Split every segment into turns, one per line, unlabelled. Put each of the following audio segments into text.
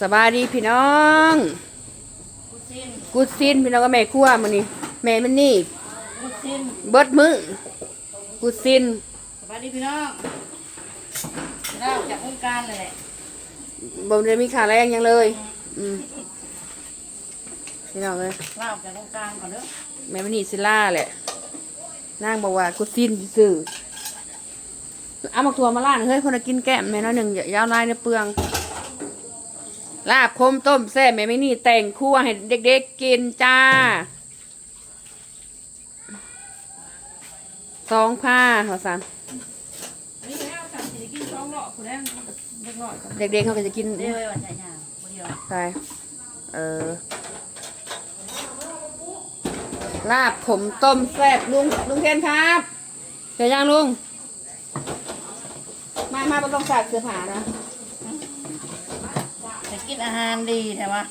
สบายดีพี่น้องกูซินพี่น้องก็แม่ครัวมื้อนี้แม่มันนี่
กูซิน
เบิดมื้อกูซิน
สบายดีพี่น้องเราจากวงการเลยแหละ
บ่ได้มีค่าแรงหยังเลยพี่น้องเอ้ย
เราจากวงการก่อนเด้อ
แม่มันนี่สิล่าแหละนางบอกว่ากูซินซื่อเอามาทัวมาล่าเฮ้ยคนกินแก้มแม่น้อยหนึ่งยาวลายในเปลืองลาบคมต้มแซ่บแม่ไม่นี่แต่งคั่วให้เด็กๆกินจ้า2,000หัวสันเด็กๆเขาก็จะกิน
เดี๋ยววันใหญ่ยาวเดียว
ใช่ลาบขมต้มแซ่บลุงเทียนครับเดี๋ยวย่างลุงมาบ่ต้องใส่เสื้อผ้านะ
จะกินอาหารดีแต่ว่า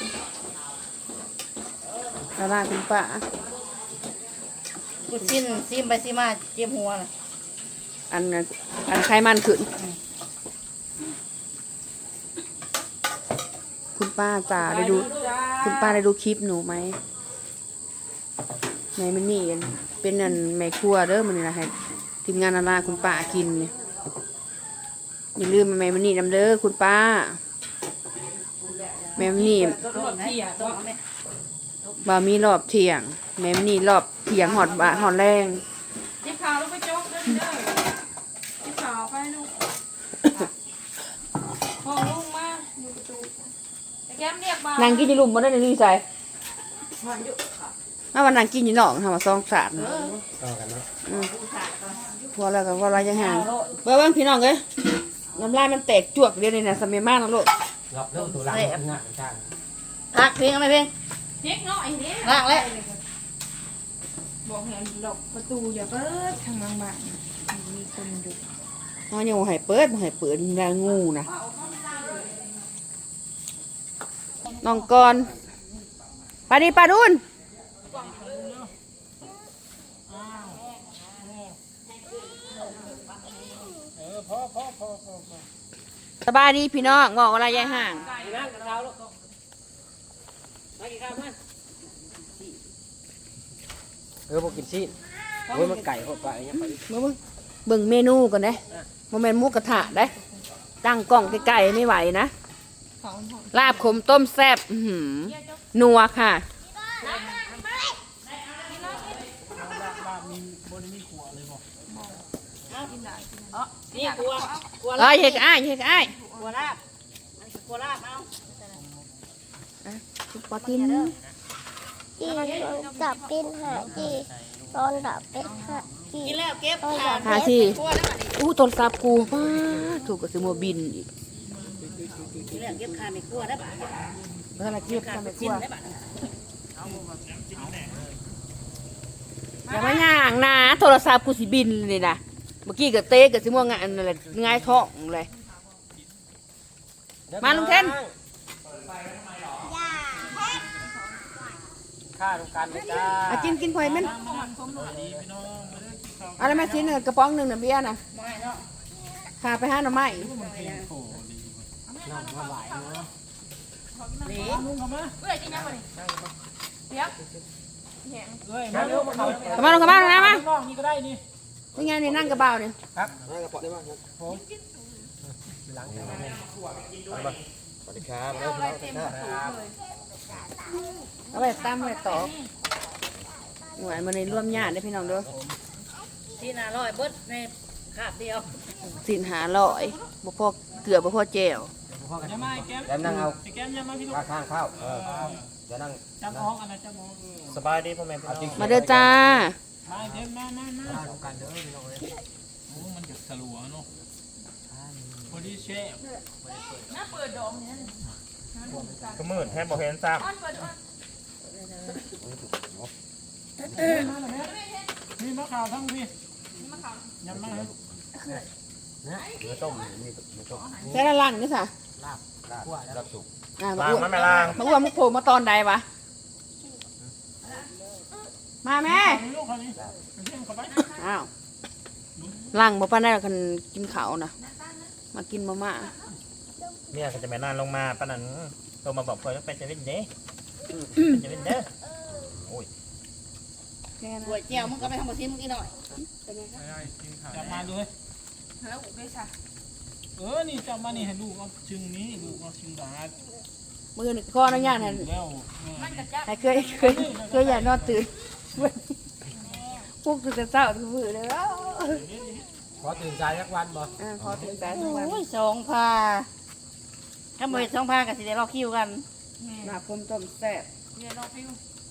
แล้วล่างคุณป้า
กูซิมไปซิมาเจ็บหัวเลย
อันไขมันขึ้นคุณป้าจ๋าได้ดูคุณป้าได้ดูคลิปหนูไหมในมันนี่เป็นอันแม่ครัวเด้อมันนี่นะให้ทีมงานอาลาคุณป้ากินเนี่ยอย่าลืมแม่มันนี่นำเด้อคุณป้าแม่มันนี่บ่มีรอบเที่ยงแม่มันนี่รอบเที่ยงหอดบ่าหอดแรง
จิ๊บขาวลูกไปโจ๊กเด้อจิ๊บขาวไปลูกพ่อลุงมาอยู่ประตูแต่แก้มเรียกมาน
างกินอยู่ลุมบ่ได้ในนี่ใส่มาวันนางกินอยู่นอกทำมาซองสาด
ต่อกันเนาะ
พอแล้วก็ว่าอะไรยังห่างเบ้างพี่น้องเอ้ยน้ำลายมันแตกจวกเดียวนี่นะสมัยมากนะลูก
รับเริ่มตัวหลังงานจ้าง
พักเพลงไหมเพลง
เด็กน้อยเนี่ย
ลากแล้ว
บอกให้หลบประตูอย่าเปิดทางบางบ้านมีคนอยู่
น้องยังบ่ให้เปิดแรงงูนะน้องกรปาดีปาดุนสบายดีพี่น้องงอกอะไรยายห่าง
พวกกินชีสโอ้ยมันไก่หดไปอย่างเงี้ย
เบิ่งเมนูก่อนเด้โมเมนต์หมูกระทะเด้ตั้งกล้องใกล้ๆไม่ไหวนะลาบขมต้มแซ่บนัวค่ะ
นี่กลัว
เฮ็ดอ้าย
กลัวลาบมันกลัวลาบเอา
ปอติน
จีดับกินหาจีตอนดับเป็ดหาจี
กินแล้วเก็บ
หาสิโทรศัพท์กูป้าถูกกับซื้อโมบินอีก
กินแล้วเก็บขาไม่กลัวได้ป่ะ
เมื่อไรเก็บขาไม่กลัวอย่ามาย่างนะโทรศัพท์กูสิบินเลยนะเมื่อกี้กับเต้กับซื้อม่วงงานอะไรง่ายท้องเลยมาลุงเทน
ข้าตรงกันเลยจ้า
กินพอยมันอะไรมาชิ้นหนึ่งกระป๋องหนึ่งเบียร์นะพาไปห้าหน่อไม้มาลงกระเป๋านะมานี่ก็ได้นี่เป็นไงนี่นั่งกระเป๋าเนี่ย
ครับนั่งกระเป๋าได้บ้างครับผมหลังสวัสดีครับแล้วครับ
เอาไปตามไปต่อหน่วยมันในร่วมญาติได้พี่น้องด้วย
ที่น่าร่อยเบิดในคาบเดียว
สินหาลอยบ่พอเกลือบ่พอแจ่ว
แล้วนั่งเอาข้างข้าวจะนั่ง
จับอ้องอะไรจับอ้อง
สบายดีพ่อแม่
มาเด้อจ้า
มาเด้อมากันเด้อพี่น้องเลยโอ้มันหยุดสลัวเนาะพอดีเชฟน่าเปิดดองเนี่ย
ก็มืดแทบบ่เห็นซ้ำ
นี่มะขามทั้งพี่ยำมะขาม
เนื้อต้มนี่เนื้อต้ม
ใส่ละลังนี่ค่ะ
ลาบสุก
มาอ้วนมุกโผล่มาตอนใดวะมาแม่อ้าวลังบ่ป้าได้กันกินข้าวนะมากินมาม่า
เมียก็จะแม่นานลงมาปะนั้นโทรมาบอกเพิ่นว่าไปเซเว่นเด้ไปเซเว่นเด้อโอ้ย
แค่นั้น
หัวเจียวมึงก็ไปทำบะซิมมึงอีกหน่อย
เป็นไงครับ
จับมาเลย
แล้วอุกได้ค่ะ
นี่จับมานี่ให้ลูกเอาชึงนี้ลูกเอาชึงดาด
มือหนึ่งข้ออนุญาตให้
แล้ว
ให้เคยอยากนอนตื่นพวกตื่นแต่เช้าตื่นมือเลยแล้ว
ขอตื่นสายสักวันบ่
ขอตื่นสายทุกวัน
โอ้ยสองพาถ้าบ่เฮ็ดสองพาก็สิได้รอคิวกัน
หนาคมต้มแซ่บ
เนี่ยรอคิว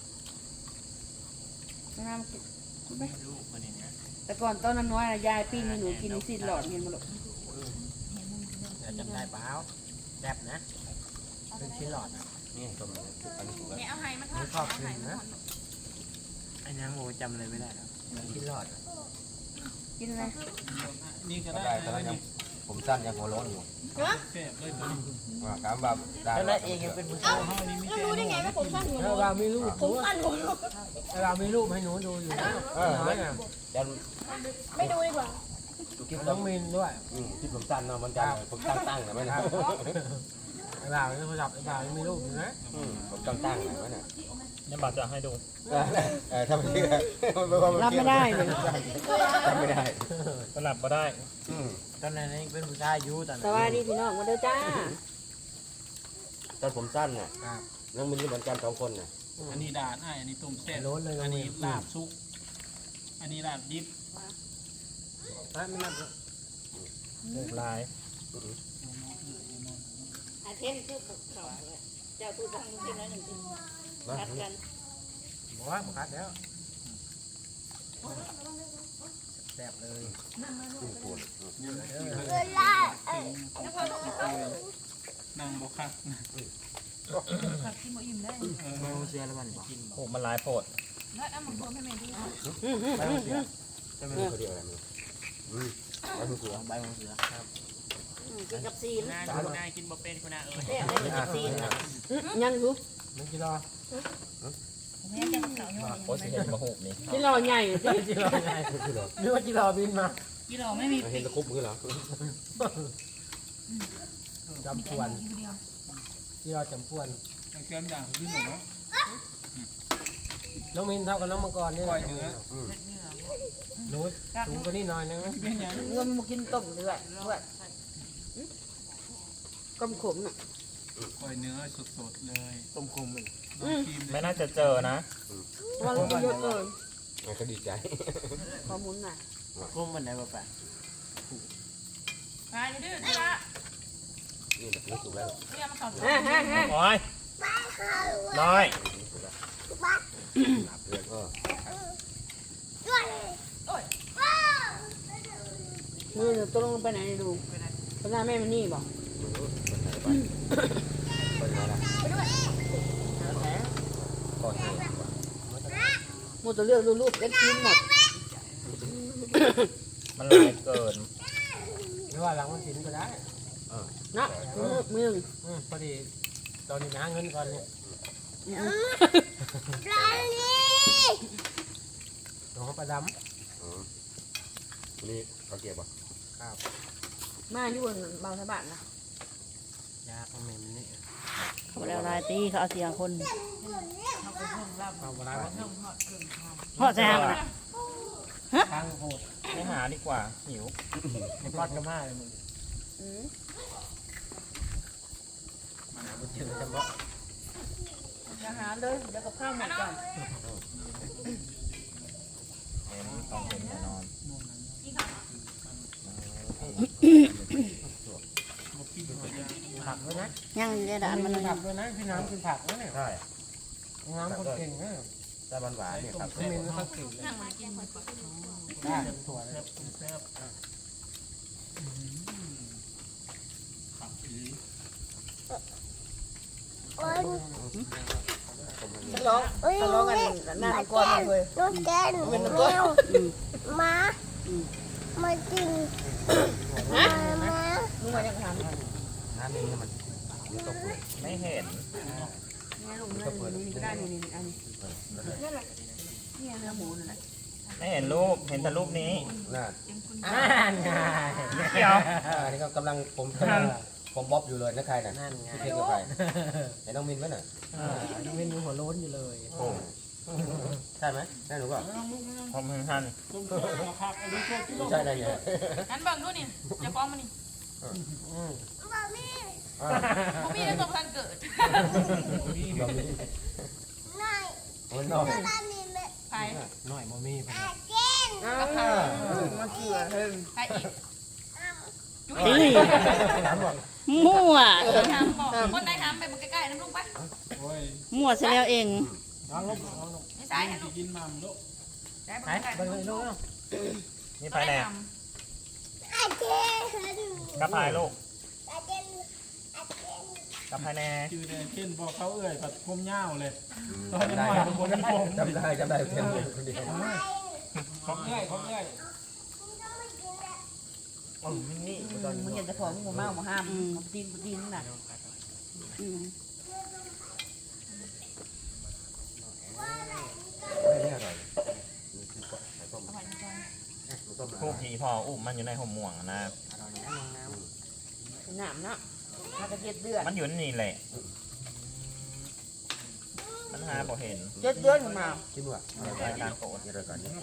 น้ำกินไหม
ลูกคนนี้เนี่ย
แต่ก่อนตอนนั้นน้อยนะยายปิ้งให้หนูกินนี่สิหลอดเห็นมั้ยลูก
เดี๋ยวจำได้เปล่าแซ่บนะเป็นชิ้นหลอดอ่ะนี่ต้มอันนี้ถูกแล้ว
เนี่ยเอาให้มันทอด
ชอบกินนะไอ้ยังโมจำอะไรไม่ได้แล้วชิ้นหลอด
กินอะไร
นี่ก็
ก็
ได้
ได้ตอนนั้นยังผมสั้นยังหัวโล้นอยู่
แซ่บเลยตัวนี้
ว่าถามว่าได้
แล้วนั่นเองยังเป็นผู้ชาย
เฮานี่มีแต่รู้ได้ไงว่าผมสั้น
แล้วเรามีรูปผมอันเรามีรูปให้หนูดูอยู่นะน้อยอ่ะ
ยัน
ไม่ดูดีกว่า
คลิป
น้องมินด้วย
ที่ผมสั้นเนาะมันจะผมตั้งนะมันนะ
ไอ้บ่าวนี่เขาจับไอ้บ่าวยังมีรูปอยู่นะ
ผมตั้งนะมันน่ะ
เนี่ยบ่าวจะให้ดู
ถ้าไม่เชื่อ
รับไม่ได้เลย
ทำไม่ได้
สลับก็ได้ตอนนั้นเป็นผู้ชายอยู่ตอน
ส
นั้น
วัสดีพี่น้องมาเด้อจ้า
ตอนผมสั้นน่ะน้องมินเหมือนกัน2 คนน่ะ
อันนี้ดาดอันนี้ต้มแซ่บ
โล้นเลย
อันนี้ลาบซุกอันนี้ลาบดิบ
ไม่นับลาย
อาเทนคือเขาเจ้าตู้ตั้งมึงกินแล้วหนึ่งกินกัดกัน
บอกว่าคัดแล้วแซ่บเลย
เวลา
นั่งบ่คัก
โมเสียแล้วมันโอ้มันลายโปด
ใช่ไหมเขาเรียกอะไรมั้ยใบหูเสือ
ใบมงเสือ
กินกับซีน
นายกินบ่เป็นคนน่ะเอ้ย
เนี่ยได้กินกับซีน
ยังอยู่
มึงกินรอ
แม่จะเขาโยน
โอ้สิเห็นมาหูนี่
ที่รอใหญ่สิ
กินรอไงนึกว่ากินรอบินมา
กิโลไม่มี
เห็นตะคุบมือเหรอ
จำพวนที่รอจำพวน
แก้มด่างขึ้นหมดเนาะ
น้องมินเท่ากับน้องมังกรนี่
ปล่อยเนื้อ
หนูสูงกว่านี้หน่อยนึง
เป็นหยัง
เงินมากินต้มเลือดด้วยก้มขมน่ะ
ปล่อยเนื้อสดๆเลย
ต้มคุม
ไม่น่าจะเจอนะ
วันละเยอะเกิน
ก็ดีใจ
ขอหมุนหน่อย
คุมมันไหนบ้าง
ไปดื้อๆละ
นี่นี่สุกแล้ว
เรียกมาเขา
ฮะ
โอ้ยน้อย
เพื่อนก็
มือตกลงไปไหนดูพน้าแม่มันนี่บอก
คนไหนล่ะก่อนเหตุ
หมดตัวเลือกรูปเล็กชิ้นหมด
มันลายเกินหรือว่าหลังมันสินก็ได้
นะมือ
พอดีตอนนี้หาเงินก่อนเนี่ย
ปลาลี
น้องประด
นี่เขาเก็บป่ะ
ำครับ
มาอยู่บนเบาสะบัดนะ
ยาของเมมนี่
เขาแล้วลายตีเขาเอาเสียงคน
เอาเวลา
เพราะแซงนะ
ทางโหดไม่หาดีกว่าหิวในปอดก็มาเลยมึงเจอจำเพาะ
อาหารเลยเดี๋ยวกับข้าวหมดก่อน
ต้องเห็นแน่นอน ผักด้วยนะ
ยังอยู่ในด่านมันเลย
ผักด้วยนะพี่น้ำกินผักนะเนี่ย
ใช่
น้ำคนเก่งนะ
แต่หวานเนี่ยครับ
น้ำมินเขาเก่งเลยได้ถั่วเลย
โอ้ย
ฉันร้อง
โอ้ย
ฉันร้องกันหน้าก้อนเลย
นกแก้วแมวม้ามากินม้า
มึงมายังทำ
น้ำนี่มันตกเลย
ไม่เห็น
นี่ลุงนี่ก็ได้นี่อันนี้นี่แหละนี่เนื้อหมูนั่นแหละ
ไม่เห็นรูปเห็นแต่รูปนี้
น่า
ง่ายเดี๋ยว
อันนี้ก็กำลังผม
ท
ผมบ๊อบอยู่เลยนะใครน่ะ
นั่นไง
พี่เพชรกับใครไอ้น้องมินไหมน่ะ
น้องเว้นหัวโล้นอยู่เลย
โอ้ใช่ไหมใช่หรือเปล่าผมทัน
ต้มโซ่มาคักไอ้ลูกโซ่ที่ลง
ใช่ได้ไง
งั้นเบิ่งดูนี่จะฟ้องมันนี่
บ่มี
บ่มีได้สมพันเกิด
เรามี
หน่อย
มันน้อย
ตามีแม่
ไป
หน่อยบ่มีไป
อาเก่ง
มันเกลือเพิ่ง
ไปอีกจุ๊ย
มั่ว
ทำบอกคนได้ทำไปมึงใกล้ๆน้ำลุงไป
โอ้ย
มั่วซะแล้วเอง
น้องลูกน้องลูก
ไม่ใช่ให้ลูก
กินมามึงลูก
ได้
ไป
ใกล้
เบิ่งเลยลูก
นี่
ๆ
ไปแน่
อาเก่ง
กับพายลูก
อาเก่งอาเก่ง
กับพายแน่
ชื่อเนี่ยเช่นบอกเขาเอ่ยผัดพมเง่าเลยตอนยังหน่อยผมมีผม
จำได้เพียงคนเดียว
ของเอ่ยของเอ่ย
นี่
มึงเห็นแต่ของมึงเมาหมาห้ามมึงตีนน่ะ
ไม่อร่อย
พวกผีพออุ้มมันอยู่ในห่มม่วงอะนะ
หนามเนาะถ้ากระเทียดเดือด
มันอยู่นี่แหละ มันหาบ่เห็น
เจ็ดเดือนมา
คิดว่า
รายการโปรด
นี่รายการนี้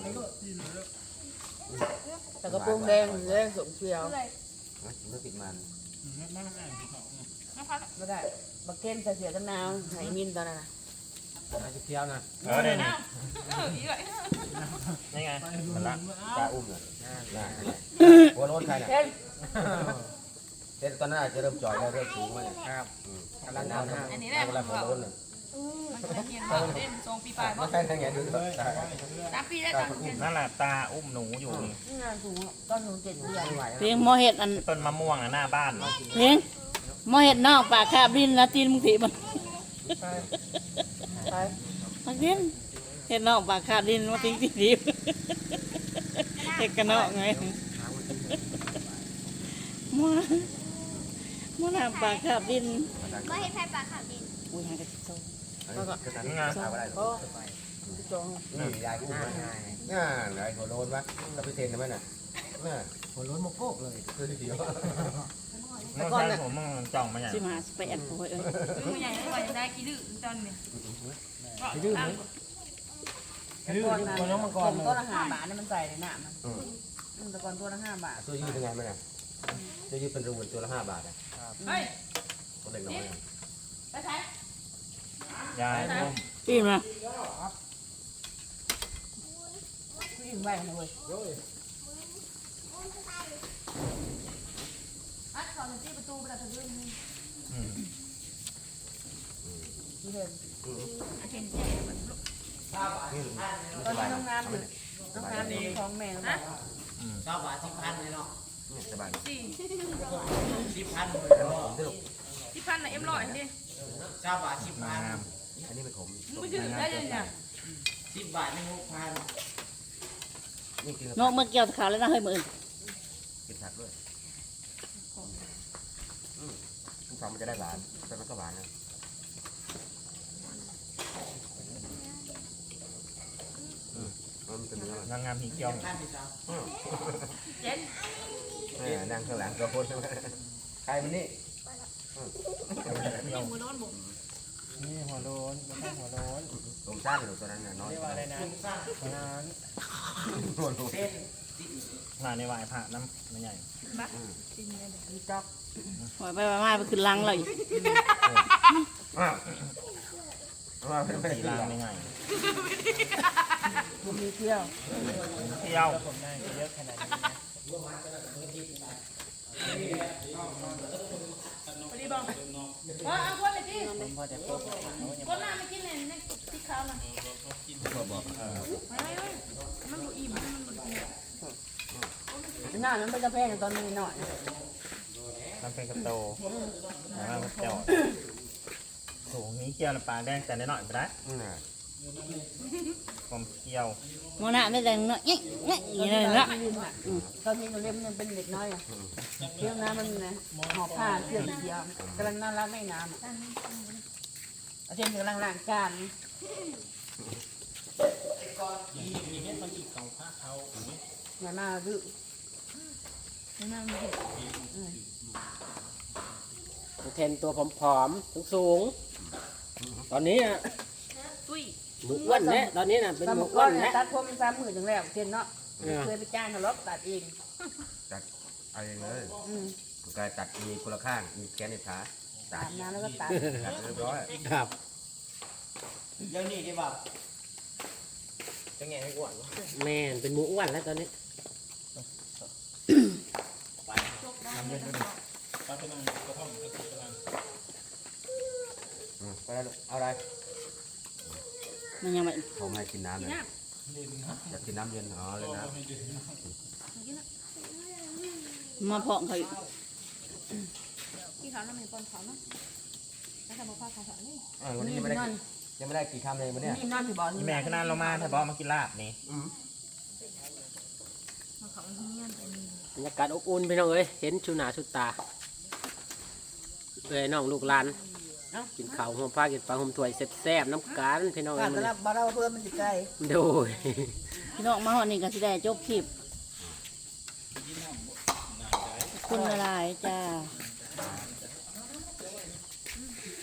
แต่กระโปรงแดงสมเชียว
ไม่ติดมัน
มาอ่านที่เขา
ไม่ได้บักเก้นใส่เสียกันนาวไหนมินตอนนั้นนะ
น่าจะเที่ยวนะ
เนี่ยนี่
อีกเลย
นี่ไงมันละ
ปลาอุ้มน่ะหัวโล้นใครน่ะ
เก้น
เต้นตอนนั้นอาจจะเริ่มจ่อยแล้วเริ่มสูงแล้ว
ครับกำลัง
น้ำ
ทำ
อันนี้แหละ
เวลาหัวโล้นน่ะ
มันจะเขียนว่าเล่นทรงปีปลายบ่
ไม่ใช่ทางไงดูด้วย
3 ปีแล้วจัง
นั่นแหละตาอุ้มหนูอยู่นี่
นี่งานสูงต้นหนู7 เดือน
เพียงหมอเห็ดอัน
ต้นมะม่วงอะหน้าบ้าน
เพียงหมอเห็ดนอกปากคาบดินนะตีนมึงถีมัน
ไป
มักดินเห็ดนอกปากคาบดินมาทิ้งที่ดิบเห็ดกันนอกไงมัวน้ำปากคาบดิน
บ่เห็นไฟปลาขาวดิน
อุ้ยหากระติกโซ่
นี่ไงเอาอะไร
โอ้จง
นี่ยายกูมาง่าไหนหัวโล้นวะเราไปเทนได้ไหมน่ะน่ะ
หัวโล้นโมโกกเลย
คือเดียว
มันใช่ผมมึงจ่องมาอย่าง
15 18โอ้ยเอ้ย
ผู้ใหญ่ไม่ว่าจะได้กี่ดื้อตอนนี้
ดื้อไหมดื้อ
ก่อน
ดื้
นะ
อน้องมังก
ผ
ร
ม
เลย
ต้นละ5 บาทนี่มันใส่ในหนามมันแต่ก่อนตัวละ5 บาท
ตัวยืดเป็นไงไหมน่ะตัวยืดเป็นรูนตัวละ5 บาทอ่ะ
เฮ้ย
ตัวเล็กน้อย
ไปใช้
ยายอุ้ม
ปีมา
ผู้หญิงแหวกนะเว้ย
อัดเขาที่ประตูไปแล้วทะลุนี่
อืม
ที่เห็น
เห็นแก่มันลุก
ตอนนี้น้องน้ำอยู่น้องน้ำอยู่ท้องแม่เขาบอกว่า
ชอบว่า10,000เลยเนาะ
สบาย
สี่
10,000
ผมที่ลูก
ที่พันน่ะเอ็มร้อยดิ
ชอบว่า
งาม
อันนี้เป็นผม
มึงไปถือได้ยังไง
10 10 บาทไม่6,000
นี่กิน
นกเมื่อเกี่ยวขาวแล้วนะเฮ้ยมืออื่น
กินผักด้วยทุกครั้งมันจะได้หวานแต่มันก็หวานนะมันเป็นเนื้อ
งามผีเกียว
เจ็ด
นั่งข้างหลังตัวคนใครมันนี่
นี่มือโน้นบุ๋ม
นี่หัวโล้นไม่ใช่หัวโล้น
ผมสั้นหรือตัวนั้นน่ะน้อย
เรียกว่าอะไรนะนั้น
ตัวนู้น
งานในวายพระน้ำไม่ใหญ่
บ้าจริงเลย
มีจ๊อก
หอยไปมาไปขึ้นลังเลย
ว่าไม่
สี
ได้
ลาง
ลา
ไม่ใหญ่
มีเที่ยว
เที่ยว
ผมได้เยอะขนาดนี้นะ
พอดีบอกว่าเอาคนเลยที่
ผมพอจะโต๊ะเขายัง
คนหน้าไม่กินเลยนี่ที่เขาน่ะ
บอก
ไม่มันบุอิ่มมันบุอิ่ม
หน้านั้นเป็นกระเพงตอนนี้หน่อย
มันเป็นกระโตแล้วมันเจาะโถนี้เกี่ยวในปลาแดงแต่ได้หน่อยไปได้
น่ะ
ผมเกี่ยว
หมอหน้าไม่แต่งเนาะเงี้ยเงี้ยอย่างนี้เลยเนาะ
ตอนนี้หนูเรียนมันเป็นเด็กน้อยอ่ะเที่ยวน้ำมันนะหอบผ้าเสื้อสีเขียวกำลังน่ารักไม่น้ำอ่ะอาเจนกำลังล้างจาน
มีเฮ็ดมันอีกเขาผ้าเขา
อย่ามาดื้ออย่ามาไม่เห็น
เทนตัวผอมๆสูงๆตอนนี้อะหมูอ้วนเนี่ยตอนนี้น่ะเป็นหมูอ้วน
เนี่ย
เนี่ย
ตัดผม3 มื้อจังแล้วเช่นเนาะเคยไปจ้างเขาลบตัดเอง
ตัดเอาเองเลย
อืม
กายตัดมีคนละข้างมีแกนในขาตั
อา
ด
บน้ำแล้วก็ตัด
ตัดเรียบร้อย
ครับ
เดี๋ยวนี้ดีป่ะจะแง่ให้อ้วนวะ
แม่นเป็นหมูอ้วนแล้วตอนนี้
ทำเย็นด้วย
ปลาเป็นนางกระท่อมกระติกกระลัง
ไปแล้วเอาอะไร
มันยังไม่
ผมให้กินน้ำเลย
เล่นนะ
อยากกินน้ำเย็นอ๋อเลยนะ
ไม่ดื่มนะ
มาเพาะเขาอีก
ที่เขาน้ำมันปนเขาเนาะแล้วแต่บอกพ่อเขาสอนนี่
วันนี้ยังไม่ได้กี่คำเลยวันนี้
นี่นอนที่บ่อ
นี่แม่ขึ้นนานลงมาถ้าบอกมากินลาบนี่
บรรยากาศอบอุ่นพี่น้องเอ้ยเห็นชูหนาชูตาเอ้ยน้องลูกหลานกินข้าวหัวปลากินปลาหัวถ้วยแซ่บๆน้ำกันพี่น้อง
กา
เอ้
ร
ย
ต
มื้อ
ลา
นี้
ดบ้านเราเพื่อนมันอยู่ไกล
โดย
พี่น้องมาหอดนี่ก็สิได้จบคลิปขอบคุณหลายๆจ้า